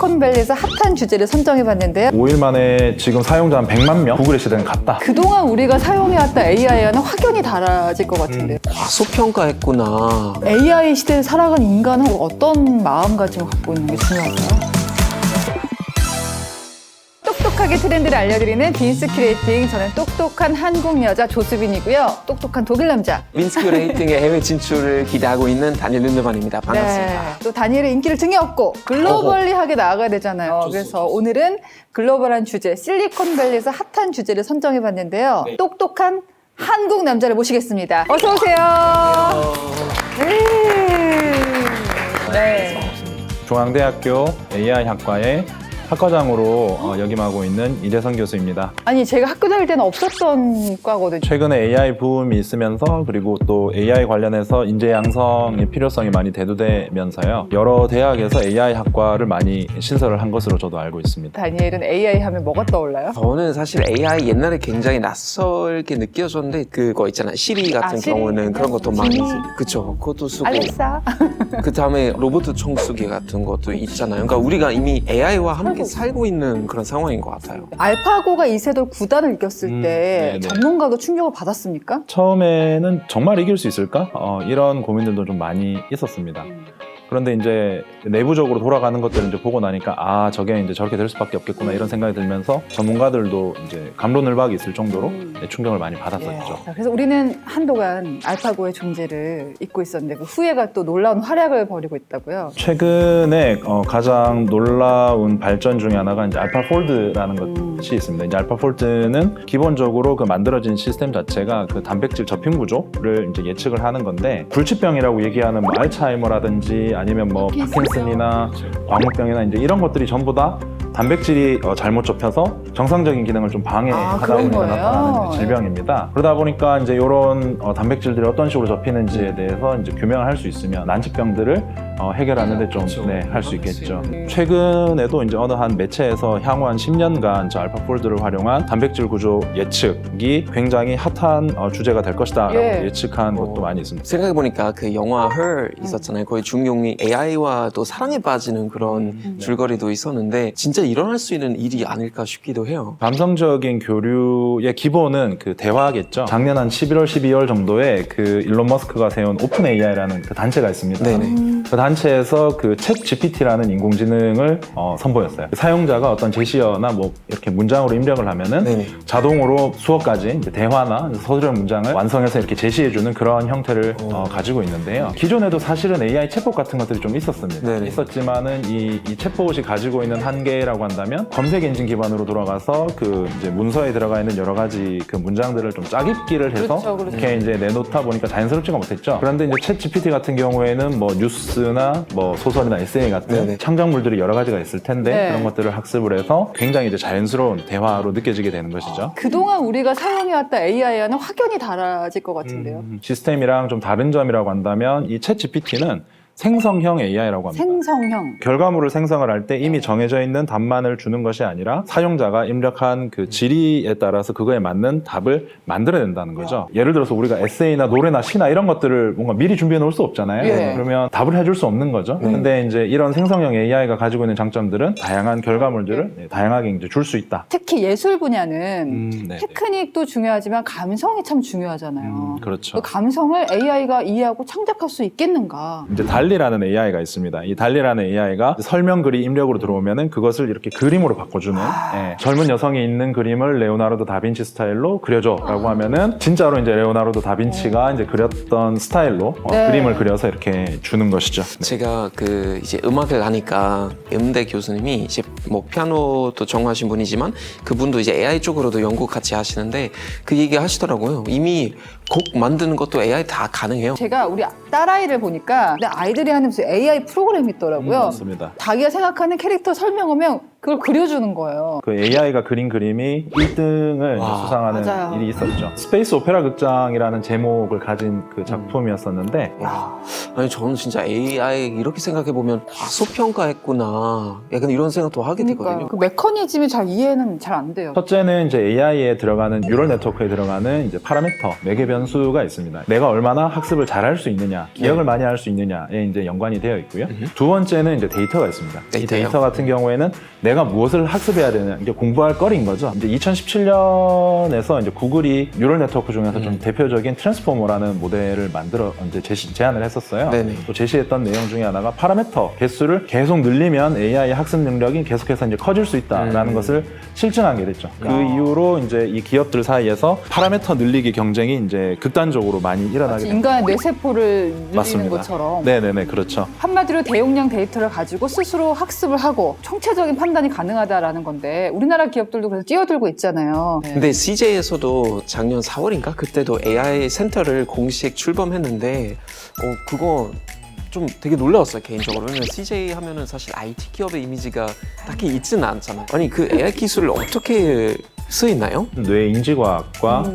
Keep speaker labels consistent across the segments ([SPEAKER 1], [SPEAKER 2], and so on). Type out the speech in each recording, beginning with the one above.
[SPEAKER 1] 실리콘밸리에서 핫한 주제를 선정해봤는데요.
[SPEAKER 2] 5일 만에 지금 사용자 한 100만 명? 구글의 시대는 갔다.
[SPEAKER 1] 그동안 우리가 사용해왔던 AI와는 확연히 달라질 것 같은데요.
[SPEAKER 3] 과소평가했구나.
[SPEAKER 1] AI 시대를 살아가는 인간은 어떤 마음가짐을 갖고 있는 게 중요할까요? 똑똑하게 트렌드를 알려드리는 빈스큐레이팅. 저는 똑똑한 한국 여자 조수빈이고요. 똑똑한 독일 남자.
[SPEAKER 3] 빈스큐레이팅의 해외 진출을 기대하고 있는 다니엘 린드만입니다. 반갑습니다.
[SPEAKER 1] 네. 또 다니엘의 인기를 등에 업고 글로벌리하게 나아가야 되잖아요. 그래서 오늘은 글로벌한 주제, 실리콘밸리에서 핫한 주제를 선정해봤는데요.
[SPEAKER 3] 네.
[SPEAKER 1] 똑똑한 한국 남자를 모시겠습니다. 어서 오세요. 네.
[SPEAKER 2] 중앙대학교 AI학과의 학과장으로 역임하고 있는 이재성 교수입니다.
[SPEAKER 1] 아니 제가 학교 다닐 때는 없었던 과거든요.
[SPEAKER 2] 최근에 AI 붐이 있으면서 그리고 또 AI 관련해서 인재 양성의 필요성이 많이 대두되면서요. 여러 대학에서 AI 학과를 많이 신설을 한 것으로 저도 알고 있습니다.
[SPEAKER 1] 다니엘은 AI 하면 뭐가 떠올라요?
[SPEAKER 3] 저는 사실 AI 옛날에 굉장히 낯설게 느껴졌는데 그거 있잖아요. 시리 같은
[SPEAKER 1] 시리?
[SPEAKER 3] 경우는 그런 것도 많이
[SPEAKER 1] 지니?
[SPEAKER 3] 그쵸. 그것도 쓰고
[SPEAKER 1] 알렉사?
[SPEAKER 3] 그 다음에 로봇 청소기 같은 것도 있잖아요. 그러니까 우리가 이미 AI와 함께 살고 있는 그런 상황인 것 같아요.
[SPEAKER 1] 알파고가 이세돌 9단을 이겼을 때
[SPEAKER 2] 네네.
[SPEAKER 1] 전문가도 충격을 받았습니까?
[SPEAKER 2] 처음에는 정말 이길 수 있을까? 이런 고민들도 좀 많이 있었습니다. 그런데 이제 내부적으로 돌아가는 것들을 이제 보고 나니까 아 저게 이제 저렇게 될 수밖에 없겠구나 이런 생각이 들면서 전문가들도 이제 감론을박이 있을 정도로 충격을 많이 받았었죠.
[SPEAKER 1] 자, 그래서 우리는 한동안 알파고의 존재를 잊고 있었는데 그 후예가 또 놀라운 활약을 벌이고 있다고요.
[SPEAKER 2] 최근에 가장 놀라운 발전 중에 하나가 이제 알파폴드라는 것이 있습니다. 이제 알파폴드는 기본적으로 그 만들어진 시스템 자체가 그 단백질 접힌 구조를 이제 예측을 하는 건데 불치병이라고 얘기하는 뭐 알츠하이머라든지 아니면 뭐 파킨슨이나 광우병이나 이제 이런 것들이 전부 다 단백질이 잘못 접혀서 정상적인 기능을 좀 방해하다
[SPEAKER 1] 그런
[SPEAKER 2] 보니까
[SPEAKER 1] 거예요?
[SPEAKER 2] 나타나는 이제 질병입니다. 그러다 보니까 이제 이런 단백질들이 어떤 식으로 접히는지에 대해서 이제 규명을 할 수 있으면 난치병들을 해결하는데 좀 할 수 있겠죠. 최근에도 이제 어느 한 매체에서 향후 한 10년간 저 알파폴드를 활용한 단백질 구조 예측이 굉장히 핫한 주제가 될 것이다라고 예측한 것도 많이 있습니다.
[SPEAKER 3] 생각해보니까 그 영화 Her 있었잖아요. 거의 주인공이 AI와 또 사랑에 빠지는 그런 줄거리도 있었는데 진짜 일어날 수 있는 일이 아닐까 싶기도 해요.
[SPEAKER 2] 감성적인 교류의 기본은 그 대화겠죠. 작년 한 11월, 12월 정도에 그 일론 머스크가 세운 오픈 AI라는 그 단체가 있습니다.
[SPEAKER 3] 네네.
[SPEAKER 2] 그 단체에서 그 챗 GPT라는 인공지능을 선보였어요. 사용자가 어떤 제시어나 뭐 이렇게 문장으로 입력을 하면은
[SPEAKER 3] 네네.
[SPEAKER 2] 자동으로 수억 가지 이제 대화나 서술형 문장을 완성해서 이렇게 제시해주는 그런 형태를 가지고 있는데요. 기존에도 사실은 AI 챗봇 같은 것들이 좀 있었습니다.
[SPEAKER 3] 네네.
[SPEAKER 2] 있었지만은 이 챗봇이 가지고 있는 한계라고 한다면 검색 엔진 기반으로 돌아가서 그 이제 문서에 들어가 있는 여러 가지 그 문장들을 좀 짜깁기를 해서
[SPEAKER 1] 그렇죠.
[SPEAKER 2] 이렇게 이제 내놓다 보니까 자연스럽지가 못했죠. 그런데 이제 챗 GPT 같은 경우에는 뭐 뉴스나 뭐 소설이나 에세이 같은
[SPEAKER 3] 네네.
[SPEAKER 2] 창작물들이 여러 가지가 있을 텐데
[SPEAKER 1] 네.
[SPEAKER 2] 그런 것들을 학습을 해서 굉장히 이제 자연스러운 대화로 느껴지게 되는 것이죠.
[SPEAKER 1] 그동안 우리가 사용해왔던 AI와는 확연히 달라질 것 같은데요.
[SPEAKER 2] 시스템이랑 좀 다른 점이라고 한다면 이 챗 GPT는 생성형 AI라고 합니다.
[SPEAKER 1] 생성형.
[SPEAKER 2] 결과물을 생성을 할 때 이미 정해져 있는 답만을 주는 것이 아니라 사용자가 입력한 그 질의에 따라서 그거에 맞는 답을 만들어야 된다는 거죠. 예를 들어서 우리가 에세이나 노래나 시나 이런 것들을 뭔가 미리 준비해 놓을 수 없잖아요.
[SPEAKER 1] 예.
[SPEAKER 2] 그러면 답을 해줄 수 없는 거죠. 근데 이제 이런 생성형 AI가 가지고 있는 장점들은 다양한 결과물들을 다양하게 이제 줄 수 있다.
[SPEAKER 1] 특히 예술 분야는
[SPEAKER 2] 네.
[SPEAKER 1] 테크닉도 중요하지만 감성이 참 중요하잖아요.
[SPEAKER 2] 그렇죠.
[SPEAKER 1] 그 감성을 AI가 이해하고 창작할 수 있겠는가?
[SPEAKER 2] 이제 달리라는 AI가 있습니다. 이 달리라는 AI가 설명글이 입력으로 들어오면은 그것을 이렇게 그림으로 바꿔주는 젊은 여성이 있는 그림을 레오나르도 다빈치 스타일로 그려줘라고 하면은 진짜로 이제 레오나르도 다빈치가 이제 그렸던 스타일로 그림을 그려서 이렇게 주는 것이죠. 네.
[SPEAKER 3] 제가 그 이제 음악을 하니까 음대 교수님이 이제 뭐 피아노도 전공하신 분이지만 그분도 이제 AI 쪽으로도 연구 같이 하시는데 그 얘기 하시더라고요. 이미 곡 만드는 것도 AI 다 가능해요.
[SPEAKER 1] 제가 우리 딸아이를 보니까 근데 아이들이 하는 무슨 AI 프로그램이 있더라고요.
[SPEAKER 2] 맞습니다.
[SPEAKER 1] 자기가 생각하는 캐릭터 설명하면 그걸 그려주는 거예요.
[SPEAKER 2] 그 AI가 그린 그림이 1등을
[SPEAKER 3] 와,
[SPEAKER 2] 수상하는
[SPEAKER 1] 맞아요.
[SPEAKER 2] 일이 있었죠. 스페이스 오페라 극장이라는 제목을 가진 그 작품이었었는데
[SPEAKER 3] 야, 아니 저는 진짜 AI 이렇게 생각해 보면 과소평가했구나. 약간 이런 생각도 하게 되거든요.
[SPEAKER 1] 그러니까 그 메커니즘이 잘 이해는 잘 안 돼요.
[SPEAKER 2] 첫째는 이제 AI에 들어가는 뉴럴 네트워크에 들어가는 이제 파라미터 매개 변수가 있습니다. 내가 얼마나 학습을 잘할 수 있느냐, 기억을 많이 할 수 있느냐에 이제 연관이 되어 있고요. 두 번째는 이제 데이터가 있습니다. 이
[SPEAKER 3] 데이터요?
[SPEAKER 2] 데이터 같은 경우에는 내가 무엇을 학습해야 되느냐, 이제 공부할 거리인 거죠. 이제 2017년에서 이제 구글이 뉴럴 네트워크 중에서 좀 대표적인 트랜스포머라는 모델을 만들어 이제 제안을 했었어요.
[SPEAKER 3] 네네.
[SPEAKER 2] 또 제시했던 내용 중에 하나가 파라미터 개수를 계속 늘리면 AI 학습 능력이 계속해서 이제 커질 수 있다라는 것을 실증한 게 됐죠. 그 이후로 이제 이 기업들 사이에서 파라미터 늘리기 경쟁이 이제 극단적으로 많이 일어나게
[SPEAKER 1] 마치
[SPEAKER 2] 됩니다.
[SPEAKER 1] 인간의 뇌세포를 늘리는
[SPEAKER 2] 맞습니다.
[SPEAKER 1] 것처럼.
[SPEAKER 2] 네네네, 그렇죠.
[SPEAKER 1] 한마디로 대용량 데이터를 가지고 스스로 학습을 하고 총체적인 판단이 가능하다라는 건데 우리나라 기업들도 그래서 뛰어들고 있잖아요.
[SPEAKER 3] 근데 CJ에서도 작년 4월인가 그때도 AI 센터를 공식 출범했는데 그거 좀 되게 놀라웠어요 개인적으로. 왜냐면 CJ 하면은 사실 IT 기업의 이미지가 딱히 있지는 않잖아요. 아니 그 AI 기술을 어떻게 쓰이나요?
[SPEAKER 2] 뇌 인지과학과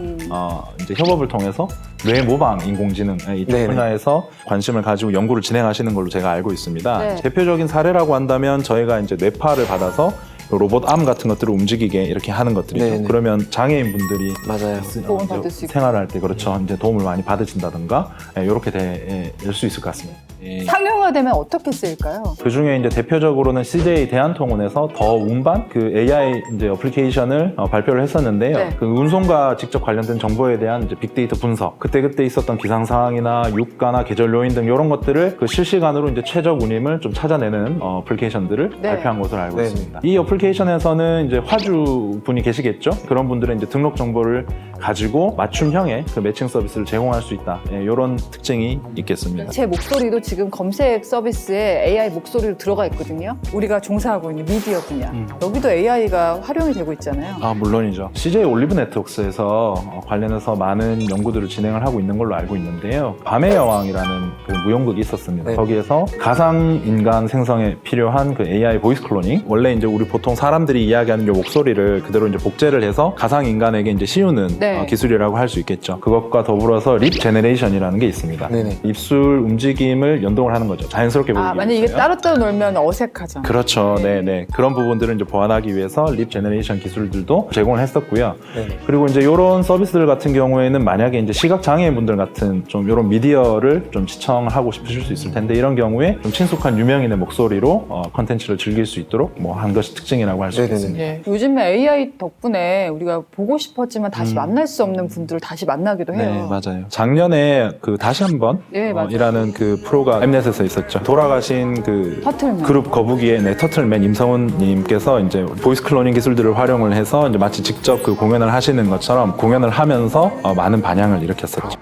[SPEAKER 2] 이제 협업을 통해서 뇌 모방 인공지능 이쪽
[SPEAKER 3] 네네.
[SPEAKER 2] 분야에서 관심을 가지고 연구를 진행하시는 걸로 제가 알고 있습니다.
[SPEAKER 1] 네.
[SPEAKER 2] 대표적인 사례라고 한다면 저희가 이제 뇌파를 받아서 로봇 암 같은 것들을 움직이게 이렇게 하는 것들이죠.
[SPEAKER 3] 네네.
[SPEAKER 2] 그러면 장애인 분들이
[SPEAKER 3] 맞아요.
[SPEAKER 1] 도움을 받을 수 있고.
[SPEAKER 2] 생활할 때 그렇죠. 이제 도움을 많이 받으신다든가 이렇게 될 수 있을 것 같습니다.
[SPEAKER 1] 상용화되면 어떻게 쓰일까요?
[SPEAKER 2] 그 중에 이제 대표적으로는 CJ 대한통운에서 더 운반 그 AI 이제 어플리케이션을 발표를 했었는데요.
[SPEAKER 1] 네.
[SPEAKER 2] 그 운송과 직접 관련된 정보에 대한 이제 빅데이터 분석, 그때 있었던 기상 상황이나 유가나 계절 요인 등 이런 것들을 그 실시간으로 이제 최적 운임을 좀 찾아내는 어플리케이션들을
[SPEAKER 1] 네.
[SPEAKER 2] 발표한 것으로 알고
[SPEAKER 3] 네.
[SPEAKER 2] 있습니다. 이 어플리케이션에서는 이제 화주 분이 계시겠죠. 그런 분들은 이제 등록 정보를 가지고 맞춤형의 그 매칭 서비스를 제공할 수 있다. 이런 특징이 있겠습니다.
[SPEAKER 1] 제 목소리도 지금 검색 서비스에 AI 목소리로 들어가 있거든요. 우리가 종사하고 있는 미디어 분야. 여기도 AI가 활용이 되고 있잖아요.
[SPEAKER 2] 아, 물론이죠. CJ 올리브 네트워크스에서 관련해서 많은 연구들을 진행을 하고 있는 걸로 알고 있는데요. 밤의 여왕이라는 그 무용극이 있었습니다.
[SPEAKER 3] 네.
[SPEAKER 2] 거기에서 가상 인간 생성에 필요한 그 AI 보이스 클로닝, 원래 이제 우리 보통 사람들이 이야기하는 요 목소리를 그대로 이제 복제를 해서 가상 인간에게 이제 씌우는
[SPEAKER 1] 네.
[SPEAKER 2] 기술이라고 할 수 있겠죠. 그것과 더불어서 립 제너레이션이라는 게 있습니다.
[SPEAKER 3] 네네.
[SPEAKER 2] 입술 움직임을 연동을 하는 거죠. 자연스럽게 보이기
[SPEAKER 1] 만약 이게
[SPEAKER 2] 위해서요.
[SPEAKER 1] 따로따로 놀면 어색하잖아요.
[SPEAKER 2] 그렇죠.
[SPEAKER 1] 네.
[SPEAKER 2] 네네. 그런 부분들을 이제 보완하기 위해서 립 제너레이션 기술들도 제공을 했었고요.
[SPEAKER 3] 네네.
[SPEAKER 2] 그리고 이제 이런 서비스들 같은 경우에는 만약에 이제 시각 장애인분들 같은 좀 이런 미디어를 좀 시청하고 싶으실 수 있을 텐데 이런 경우에 좀 친숙한 유명인의 목소리로 컨텐츠를 즐길 수 있도록 뭐 한 것이 특징이라고 할 수
[SPEAKER 3] 네네네.
[SPEAKER 2] 있겠습니다.
[SPEAKER 1] 예. 요즘에 AI 덕분에 우리가 보고 싶었지만 다시 만날 수 없는 분들을 다시 만나기도 해요.
[SPEAKER 2] 네, 맞아요. 작년에 그 다시 한번
[SPEAKER 1] 네, 맞아요.
[SPEAKER 2] 이라는 그 프로가 엠넷에서 있었죠. 돌아가신 그
[SPEAKER 1] 터틀맨.
[SPEAKER 2] 그룹 거북이의 터틀맨 임성훈님께서 이제 보이스 클로닝 기술들을 활용을 해서 이제 마치 직접 그 공연을 하시는 것처럼 공연을 하면서 많은 반향을 일으켰었죠.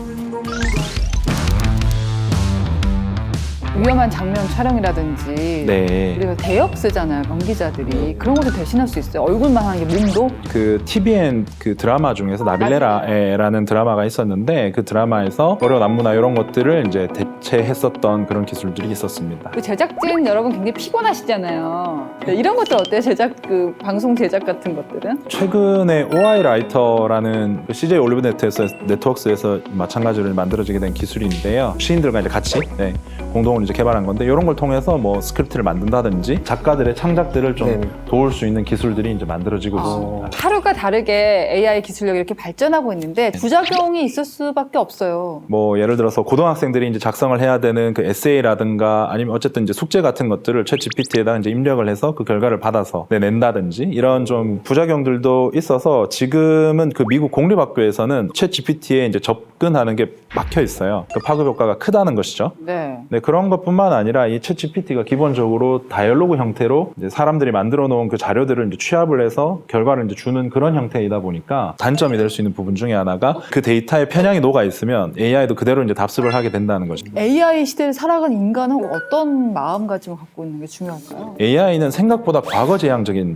[SPEAKER 1] 위험한 장면 촬영이라든지
[SPEAKER 2] 네.
[SPEAKER 1] 우리가 대역 쓰잖아요, 연기자들이. 그런 것도 대신할 수 있어요. 얼굴만 하는 게 몸도.
[SPEAKER 2] 그 TVN 그 드라마 중에서 나빌레라라는 드라마가 있었는데 그 드라마에서 어려운 안무나 이런 것들을 이제 대체했었던 그런 기술들이 있었습니다.
[SPEAKER 1] 그 제작진 여러분 굉장히 피곤하시잖아요. 네, 이런 것들 어때요? 방송 제작 같은 것들은?
[SPEAKER 2] 최근에 OI 라이터라는 그 CJ 올리브 네트워크스에서 마찬가지로 만들어지게 된 기술인데요. 시인들과 이제 같이 공동으로 이제 개발한 건데 이런 걸 통해서 뭐 스크립트를 만든다든지 작가들의 창작들을 좀
[SPEAKER 3] 네네.
[SPEAKER 2] 도울 수 있는 기술들이 이제 만들어지고 있습니다.
[SPEAKER 1] 하루가 다르게 AI 기술력이 이렇게 발전하고 있는데 부작용이 있을 수밖에 없어요.
[SPEAKER 2] 뭐 예를 들어서 고등학생들이 이제 작성을 해야 되는 그 에세이라든가 아니면 어쨌든 이제 숙제 같은 것들을 챗 GPT에다 이제 입력을 해서 그 결과를 받아서 낸다든지 이런 좀 부작용들도 있어서 지금은 그 미국 공립학교에서는 챗 GPT에 이제 접근하는 게 막혀 있어요. 그 파급 효과가 크다는 것이죠.
[SPEAKER 1] 네.
[SPEAKER 2] 네, 그런 것뿐만 아니라 이 챗 GPT가 기본적으로 다이얼로그 형태로 이제 사람들이 만들어 놓은 그 자료들을 이제 취합을 해서 결과를 이제 주는 그런 형태이다 보니까 단점이 될 수 있는 부분 중에 하나가 그 데이터에 편향이 녹아 있으면 AI도 그대로 이제 답습을 하게 된다는 거죠.
[SPEAKER 1] AI 시대를 살아간 인간은 어떤 마음가짐을 갖고 있는 게 중요할까요?
[SPEAKER 2] AI는 생각보다 과거지향적인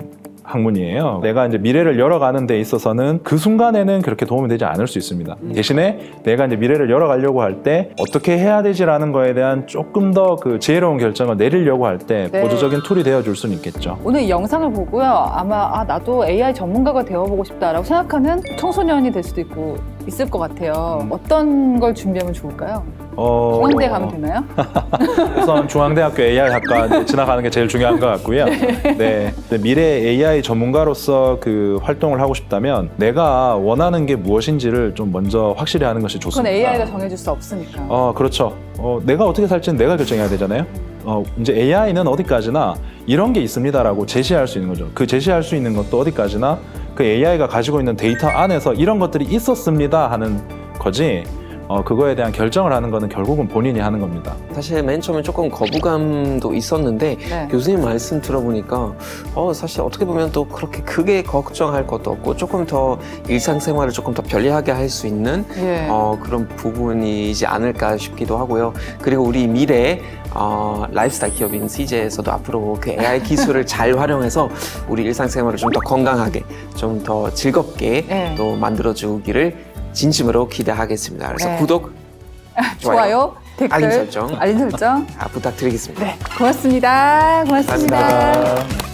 [SPEAKER 2] 학문이에요. 내가 이제 미래를 열어가는 데 있어서는 그 순간에는 그렇게 도움이 되지 않을 수 있습니다. 대신에 내가 이제 미래를 열어가려고 할 때 어떻게 해야 되지라는 거에 대한 조금 더 그 지혜로운 결정을 내리려고 할 때
[SPEAKER 1] 네.
[SPEAKER 2] 보조적인 툴이 되어줄 수는 있겠죠.
[SPEAKER 1] 오늘 이 영상을 보고요. 아마 나도 AI 전문가가 되어보고 싶다라고 생각하는 청소년이 될 수도 있을 것 같아요. 어떤 걸 준비하면 좋을까요? 중앙대 가면 되나요?
[SPEAKER 2] 우선 중앙대학교 AI학과 지나가는 게 제일 중요한 것 같고요. 네. 미래 AI 전문가로서 그 활동을 하고 싶다면 내가 원하는 게 무엇인지를 좀 먼저 확실히 하는 것이
[SPEAKER 1] 그건
[SPEAKER 2] 좋습니다.
[SPEAKER 1] AI가 정해줄 수 없으니까.
[SPEAKER 2] 그렇죠. 내가 어떻게 살지는 내가 결정해야 되잖아요. 이제 AI는 어디까지나 이런 게 있습니다라고 제시할 수 있는 거죠. 그 제시할 수 있는 것도 어디까지나 그 AI가 가지고 있는 데이터 안에서 이런 것들이 있었습니다 하는 거지. 그거에 대한 결정을 하는 거는 결국은 본인이 하는 겁니다.
[SPEAKER 3] 사실 맨 처음에 조금 거부감도 있었는데
[SPEAKER 1] 네.
[SPEAKER 3] 교수님 말씀 들어보니까 사실 어떻게 보면 또 그렇게 크게 걱정할 것도 없고 조금 더 일상생활을 조금 더 편리하게 할 수 있는
[SPEAKER 1] 예.
[SPEAKER 3] 그런 부분이지 않을까 싶기도 하고요. 그리고 우리 미래 라이프스타일 기업인 CJ에서도 앞으로 그 AI 기술을 잘 활용해서 우리 일상생활을 좀 더 건강하게 좀 더 즐겁게
[SPEAKER 1] 네.
[SPEAKER 3] 또 만들어주기를 진심으로 기대하겠습니다. 그래서
[SPEAKER 1] 네.
[SPEAKER 3] 구독,
[SPEAKER 1] 좋아요, 댓글,
[SPEAKER 3] 알림 설정.
[SPEAKER 1] 알림 설정.
[SPEAKER 3] 부탁드리겠습니다.
[SPEAKER 1] 네, 고맙습니다. 고맙습니다.
[SPEAKER 3] 감사합니다.